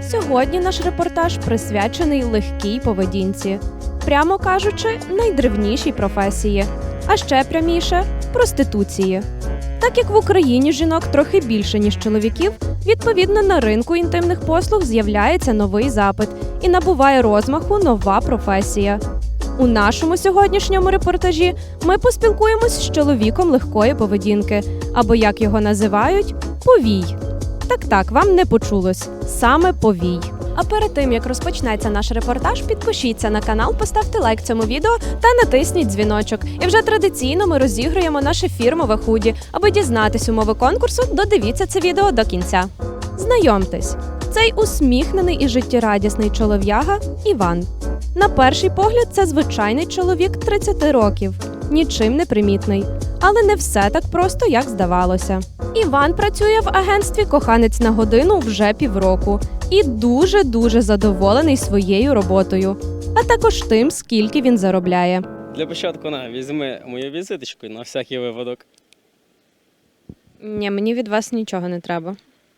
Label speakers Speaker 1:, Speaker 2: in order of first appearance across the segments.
Speaker 1: Сьогодні наш репортаж присвячений легкій поведінці. Прямо кажучи, найдревнішій професії. А ще пряміше – проституції. Так як в Україні жінок трохи більше, ніж чоловіків, відповідно на ринку інтимних послуг з'являється новий запит і набуває розмаху нова професія. У нашому сьогоднішньому репортажі ми поспілкуємось з чоловіком легкої поведінки, або, як його називають, повій. Так, вам не почулось. Саме повій. А перед тим, як розпочнеться наш репортаж, підпишіться на канал, поставте лайк цьому відео та натисніть дзвіночок. І вже традиційно ми розігруємо наше фірмове худі. Аби дізнатись умови конкурсу, додивіться це відео до кінця. Знайомтесь, цей усміхнений і життєрадісний чолов'яга – Іван. На перший погляд, це звичайний чоловік 30 років. Нічим не примітний. Але не все так просто, як здавалося. Іван працює в агентстві «Коханець на годину» вже півроку. І дуже-дуже задоволений своєю роботою. А також тим, скільки він заробляє.
Speaker 2: Для початку візьми мою візиточку на всякий випадок.
Speaker 1: Ні, мені від вас нічого не треба.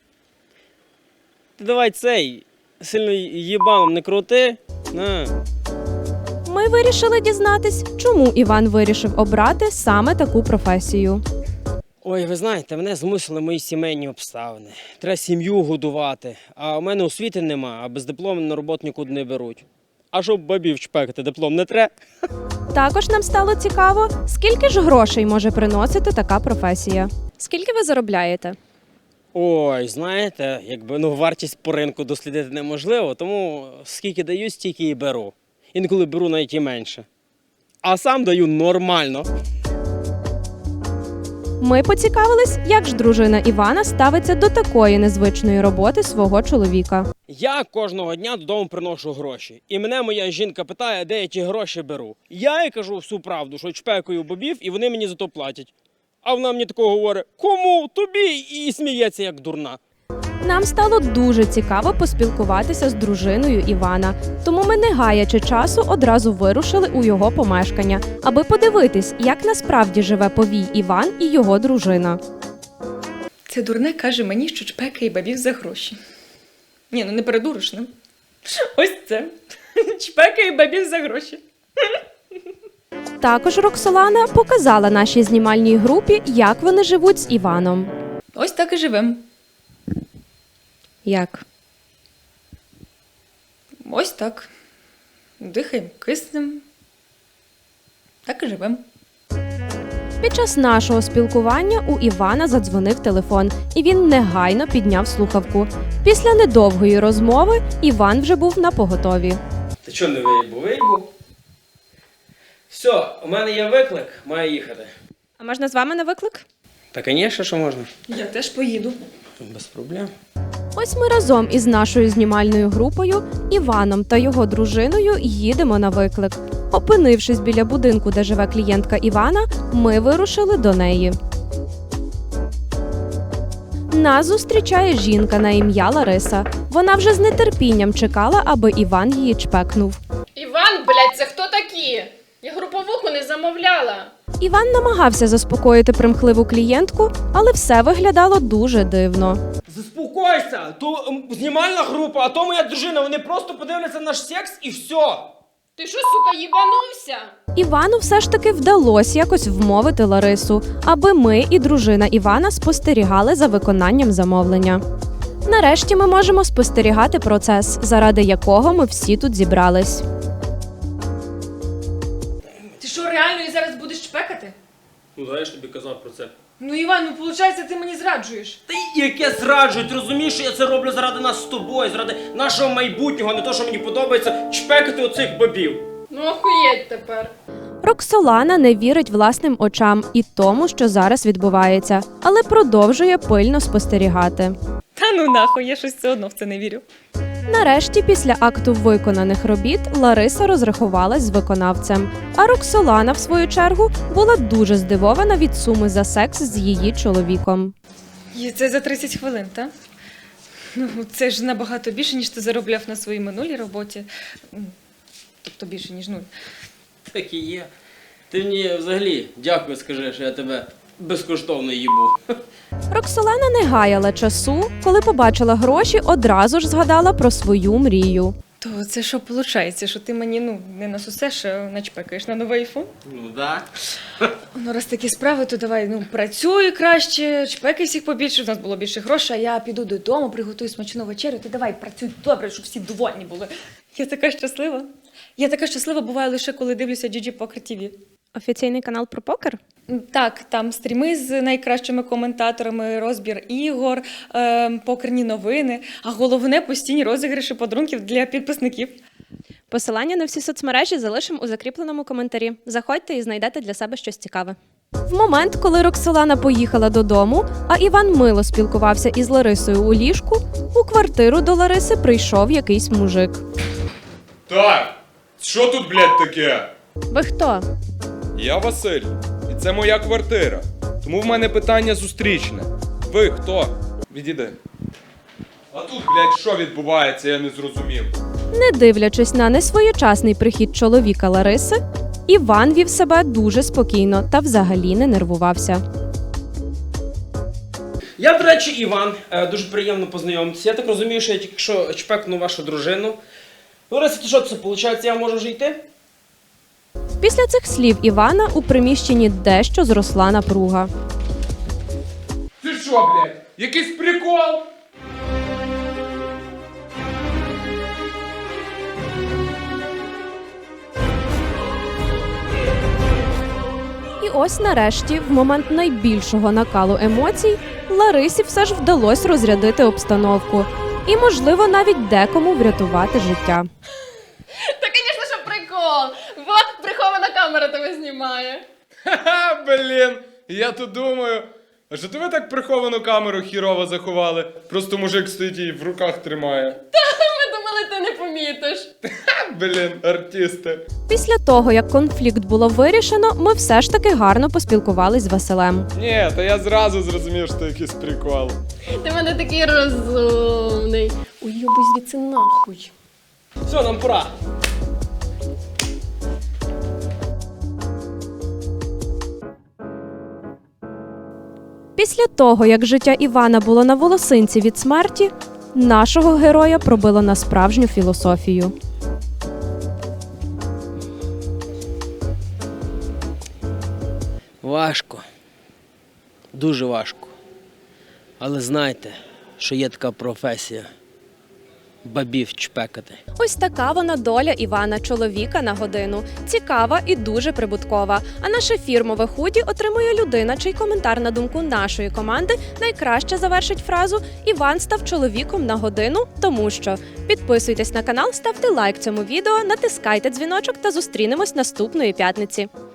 Speaker 2: Ти давай цей, сильно їбаном не крути. На.
Speaker 1: Ми вирішили дізнатись, чому Іван вирішив обрати саме таку професію.
Speaker 2: Ой, ви знаєте, мене змусили мої сімейні обставини. Треба сім'ю годувати, а у мене освіти нема, а без диплому на роботу нікуди не беруть. А щоб бабів чпекати, диплом не треба.
Speaker 1: Також нам стало цікаво, скільки ж грошей може приносити така професія. Скільки ви заробляєте?
Speaker 2: Ой, знаєте, вартість по ринку дослідити неможливо, тому скільки даю, стільки і беру. Інколи беру навіть і менше. А сам даю нормально.
Speaker 1: Ми поцікавились, як ж дружина Івана ставиться до такої незвичної роботи свого чоловіка.
Speaker 2: Я кожного дня додому приношу гроші. І мене моя жінка питає, де я ті гроші беру. Я їй кажу всю правду, що чпекаю бобів, і вони мені за то платять. А вона мені такого говорить: кому? Тобі? І сміється, як дурна.
Speaker 1: Нам стало дуже цікаво поспілкуватися з дружиною Івана, тому ми, не гаячи часу, одразу вирушили у його помешкання, аби подивитись, як насправді живе повій Іван і його дружина.
Speaker 3: Це дурне каже мені, що чпекає бабів за гроші. Ні, не передуриш, не? Ось це. Чпекає бабів за гроші.
Speaker 1: Також Роксолана показала нашій знімальній групі, як вони живуть з Іваном.
Speaker 3: Ось так і живемо.
Speaker 1: Як?
Speaker 3: Ось так. Дихаємо, киснем. Так і живемо.
Speaker 1: Під час нашого спілкування у Івана задзвонив телефон, і він негайно підняв слухавку. Після недовгої розмови Іван вже був напоготові.
Speaker 2: Ти чого не виїбу? Виїбу? Все, у мене є виклик, маю їхати.
Speaker 1: А можна з вами на виклик?
Speaker 2: Та, звісно, що можна.
Speaker 3: Я теж поїду.
Speaker 2: Без проблем.
Speaker 1: Ось ми разом із нашою знімальною групою, Іваном та його дружиною їдемо на виклик. Опинившись біля будинку, де живе клієнтка Івана, ми вирушили до неї. Нас зустрічає жінка на ім'я Лариса. Вона вже з нетерпінням чекала, аби Іван її чпекнув.
Speaker 4: Іван, блядь, це хто такі? Я груповуху не замовляла.
Speaker 1: Іван намагався заспокоїти примхливу клієнтку, але все виглядало дуже дивно.
Speaker 2: Заспокойся! То знімальна група, а то моя дружина, вони просто подивляться наш секс і все.
Speaker 4: Ти що, сука, їбанувся?
Speaker 1: Івану все ж таки вдалося якось вмовити Ларису, аби ми і дружина Івана спостерігали за виконанням замовлення. Нарешті ми можемо спостерігати процес, заради якого ми всі тут зібрались.
Speaker 3: Ти що, реально і зараз будеш чпекати?
Speaker 2: Ну, я ж тобі казав про це.
Speaker 3: Ну, Іван, виходить, ти мені зраджуєш.
Speaker 2: Та яке зраджують, розумієш, що я це роблю заради нас з тобою, заради нашого майбутнього, не то, що мені подобається чпекати оцих бабів.
Speaker 4: Ну охуєть тепер.
Speaker 1: Роксолана не вірить власним очам і тому, що зараз відбувається, але продовжує пильно спостерігати.
Speaker 3: Та ну нахуй, я щось все одно в це не вірю.
Speaker 1: Нарешті, після акту виконаних робіт, Лариса розрахувалась з виконавцем, а Роксолана, в свою чергу, була дуже здивована від суми за секс з її чоловіком.
Speaker 3: І це за 30 хвилин, так? Ну, це ж набагато більше, ніж ти заробляв на своїй минулій роботі. Тобто більше, ніж нуль.
Speaker 2: Так і є. Ти мені взагалі дякую, скажи, що я тебе безкоштовно їбу.
Speaker 1: Роксолана не гаяла часу, коли побачила гроші, одразу ж згадала про свою мрію.
Speaker 3: То це що виходить, що ти мені не насусеш, а начпекаєш на новий айфон?
Speaker 2: Ну да.
Speaker 3: Ну, раз такі справи, то давай, працюй краще, чпекай всіх побільше, в нас було більше грошей, а я піду додому, приготую смачну вечерю, ти давай, працюй добре, щоб всі довольні були. Я така щаслива. Я така щаслива буваю лише, коли дивлюся GG Poker TV.
Speaker 1: Офіційний канал про покер?
Speaker 3: Так, там стріми з найкращими коментаторами, розбір ігор, покерні новини, а головне – постійні розіграші подарунків для підписників.
Speaker 1: Посилання на всі соцмережі залишимо у закріпленому коментарі. Заходьте і знайдете для себе щось цікаве. В момент, коли Роксолана поїхала додому, а Іван мило спілкувався із Ларисою у ліжку, у квартиру до Лариси прийшов якийсь мужик.
Speaker 5: Так, що тут, блядь, таке?
Speaker 1: Ви хто?
Speaker 5: Я Василь, і це моя квартира. Тому в мене питання зустрічне. Ви хто? Відійди. А тут, блядь, що відбувається, я не зрозумів.
Speaker 1: Не дивлячись на несвоєчасний прихід чоловіка Лариси, Іван вів себе дуже спокійно та взагалі не нервувався.
Speaker 2: Я, до речі, Іван. Дуже приємно познайомитися. Я так розумію, що я тільки що чпекну вашу дружину. Лариса, то що це виходить? Я можу вже йти?
Speaker 1: Після цих слів Івана у приміщенні дещо зросла напруга.
Speaker 5: Ти що, блядь? Якийсь прикол?
Speaker 1: І ось нарешті, в момент найбільшого накалу емоцій, Ларисі все ж вдалося розрядити обстановку. І, можливо, навіть декому врятувати життя.
Speaker 4: Та, звісно, що прикол. Вот прихована камера тебе знімає.
Speaker 5: Ха-ха, блін. Я тут думаю, а що ти ви так приховану камеру хірово заховали? Просто мужик стоїть і в руках тримає.
Speaker 4: Ми думали, ти не помітиш.
Speaker 5: Ха, блін, артисти.
Speaker 1: Після того, як конфлікт було вирішено, ми все ж таки гарно поспілкувались з Василем.
Speaker 5: Ні, та я зразу зрозумів, що це якийсь прикол.
Speaker 4: Ти в мене такий розумний. Уйобуй звідси нахуй.
Speaker 2: Все, нам пора.
Speaker 1: Після того, як життя Івана було на волосинці від смерті, нашого героя пробило на справжню філософію.
Speaker 2: Важко. Дуже важко. Але знайте, що є така професія. Бабів чпекати.
Speaker 1: Ось така вона доля Івана, чоловіка на годину. Цікава і дуже прибуткова. А наше фірмове худі отримує людина, чий коментар на думку нашої команди найкраще завершить фразу «Іван став чоловіком на годину, тому що». Підписуйтесь на канал, ставте лайк цьому відео, натискайте дзвіночок та зустрінемось наступної п'ятниці.